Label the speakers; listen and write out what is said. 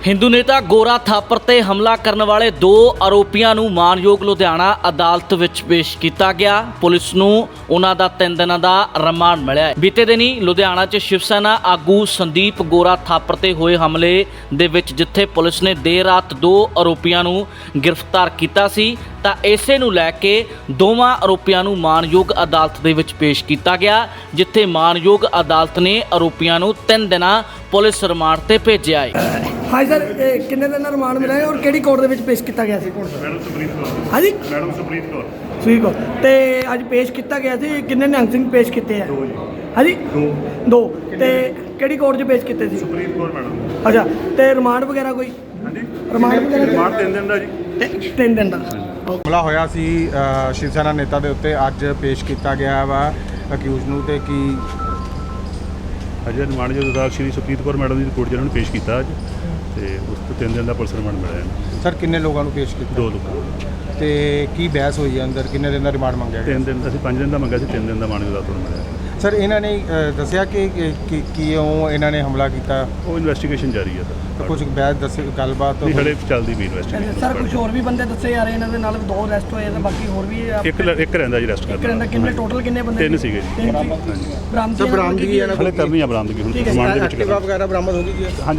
Speaker 1: ਹਿੰਦੂ ਨੇਤਾ ਗੋਰਾ ਥਾਪਰ ਤੇ ਹਮਲਾ ਕਰਨ ਵਾਲੇ 2 ਆਰੋਪੀਆਂ ਨੂੰ ਮਾਨਯੋਗ ਲੁਧਿਆਣਾ ਅਦਾਲਤ ਵਿੱਚ ਪੇਸ਼ ਕੀਤਾ ਗਿਆ। ਪੁਲਿਸ ਨੂੰ ਉਹਨਾਂ ਦਾ 3 ਦਿਨਾਂ ਦਾ ਰਿਮਾਂਡ ਮਿਲਿਆ ਹੈ। ਬੀਤੇ ਦਿਨੀ ਲੁਧਿਆਣਾ 'ਚ ਸ਼ਿਵ ਸੈਨਾ ਆਗੂ ਸੰਦੀਪ ਗੋਰਾ ਥਾਪਰ ਤੇ ਹੋਏ ਹਮਲੇ ਦੇ ਵਿੱਚ ਜਿੱਥੇ ਪੁਲਿਸ ਨੇ ਦੇਰ ਰਾਤ 2 ਆਰੋਪੀਆਂ ਨੂੰ ਗ੍ਰਿਫਤਾਰ ਕੀਤਾ ਸੀ ਤਾਂ ਇਸੇ ਨੂੰ ਲੈ ਕੇ ਦੋਵਾਂ ਆਰੋਪੀਆਂ ਨੂੰ ਮਾਨਯੋਗ ਅਦਾਲਤ ਦੇ ਵਿੱਚ ਪੇਸ਼ ਕੀਤਾ ਗਿਆ, ਜਿੱਥੇ ਮਾਨਯੋਗ ਅਦਾਲਤ ਨੇ ਆਰੋਪੀਆਂ ਨੂੰ 3 ਦਿਨਾਂ ਪੁਲਿਸ ਰਿਮਾਂਡ ਤੇ ਭੇਜਿਆ ਹੈ।
Speaker 2: ਹਾਂਜੀ ਸਰ, ਕਿੰਨੇ ਦਿਨ ਦਾ ਰਿਮਾਂਡ ਮਿਲਿਆ ਹੈ ਔਰ ਕਿਹੜੀ ਕੋਰਟ ਦੇ ਵਿੱਚ ਪੇਸ਼ ਕੀਤਾ ਗਿਆ ਸੀ?
Speaker 3: ਮੈਡਮ ਸੁਪਰੀਤ ਕੌਰ।
Speaker 2: ਹਾਂਜੀ
Speaker 3: ਮੈਡਮ ਸੁਪਰੀਤ ਕੌਰ।
Speaker 2: ਠੀਕ ਹੋ ਤੇ ਅੱਜ ਪੇਸ਼ ਕੀਤਾ ਗਿਆ ਸੀ। ਕਿੰਨੇ ਨਿਹੰਗ ਸਿੰਘ ਪੇਸ਼ ਕੀਤੇ ਆ?
Speaker 3: 2 ਜੀ।
Speaker 2: ਹਾਂਜੀ
Speaker 3: 2
Speaker 2: ਤੇ ਕਿਹੜੀ ਕੋਰਟ 'ਚ ਪੇਸ਼ ਕੀਤੇ ਸੀ?
Speaker 3: ਸੁਪਰੀਤ ਕੌਰ ਮੈਡਮ।
Speaker 2: ਅੱਛਾ, ਤੇ ਰਿਮਾਂਡ ਵਗੈਰਾ ਕੋਈ?
Speaker 3: ਹਾਂਜੀ
Speaker 2: ਰਿਮਾਂਡ ਵਗੈਰਾ
Speaker 3: ਰਿਮਾਂਡ 3 ਦਿਨ ਦਾ ਜੀ।
Speaker 2: 3 ਦਿਨ ਦਾ।
Speaker 4: ਹਮਲਾ ਹੋਇਆ ਸੀ ਸ਼ਿਵ ਸੈਨਾ ਨੇਤਾ ਦੇ ਉੱਤੇ, ਅੱਜ ਪੇਸ਼ ਕੀਤਾ ਗਿਆ ਵਾ ਅਕਿਊਜ਼ ਨੂੰ। ਤੇ ਕੀ
Speaker 3: ਅਜੇ ਰਿਮਾਂਡ ਜੋ ਅਦਾਲਤ ਸ਼੍ਰੀ ਸੁਪਰੀਤ ਕੌਰ ਮੈਡਮ ਦੀ ਕੋਰਟ 'ਚ ਇਹਨਾਂ ਨੂੰ ਪੇਸ਼ ਕੀਤਾ ਅੱਜ, ਤੇ ਉਸ ਤੋਂ 3 ਦਿਨ ਦਾ ਪੁਲਿਸ ਰਿਮਾਂਡ ਮਿਲਿਆ ਹੈ।
Speaker 4: ਸਰ ਕਿੰਨੇ ਲੋਕਾਂ ਨੂੰ ਪੇਸ਼ ਕੀਤਾ?
Speaker 3: 2 ਲੋਕਾਂ।
Speaker 4: ਤੇ ਕੀ ਬਹਿਸ ਹੋਈ ਹੈ ਅੰਦਰ? ਕਿੰਨੇ ਦਿਨ ਦਾ ਰਿਮਾਂਡ ਮੰਗਿਆ ਗਿਆ?
Speaker 3: 3 ਦਿਨ ਅਸੀਂ 5 ਦਿਨ ਦਾ ਮੰਗਿਆ ਸੀ, 3 ਦਿਨ ਦਾ ਮਾਨਯੋਗ ਅਦਾਲਤ ਨੂੰ ਮਿਲਿਆ।
Speaker 4: ਸਰ ਇਹਨਾਂ ਨੇ ਦੱਸਿਆ ਕਿ ਕਿਉਂ ਇਹਨਾਂ ਨੇ ਹਮਲਾ ਕੀਤਾ?
Speaker 3: ਉਹ ਇਨਵੈਸਟੀਗੇਸ਼ਨ ਜਾਰੀ ਹੈ ਸਰ।
Speaker 4: ਕੁਝ ਬਹਿਸ ਦੱਸ ਗੱਲਬਾਤ
Speaker 3: ਨਹੀਂ, ਹਲੇ ਚੱਲਦੀ ਵੀ ਇਨਵੈਸਟੀਗੇਸ਼ਨ।
Speaker 2: ਸਰ ਕੁਝ ਹੋਰ ਵੀ ਬੰਦੇ ਦੱਸੇ ਜਾ ਰਹੇ ਇਹਨਾਂ ਦੇ ਨਾਲ? 2 ਅਰੈਸਟ ਹੋਏ ਤੇ ਬਾਕੀ ਹੋਰ ਵੀ
Speaker 3: ਇੱਕ ਰਹਿੰਦਾ ਜੀ ਰੈਸਟ
Speaker 2: ਇੱਕ ਰਹਿੰਦਾ। ਕਿੰਨੇ ਟੋਟਲ ਕਿੰਨੇ ਬੰਦੇ?
Speaker 3: 3 ਸੀਗੇ ਜੀ।
Speaker 2: ਬਰਾਮਦੀ
Speaker 4: ਬਰਾਮਦਗੀ
Speaker 3: ਹਲੇ ਕਰਨੀ ਆ ਬਰਾਮਦਗੀ ਹੁਣ
Speaker 2: ਠੀਕ ਹੈ।
Speaker 3: ਰਿਮਾਂਡ ਦੇ ਵਿੱਚ
Speaker 4: ਐਕਟਿਵਾ ਵਗੈਰਾ ਬਰਾਮਦ ਹੋ ਗਈ ਜੀ?
Speaker 3: ਹਾਂਜੀ।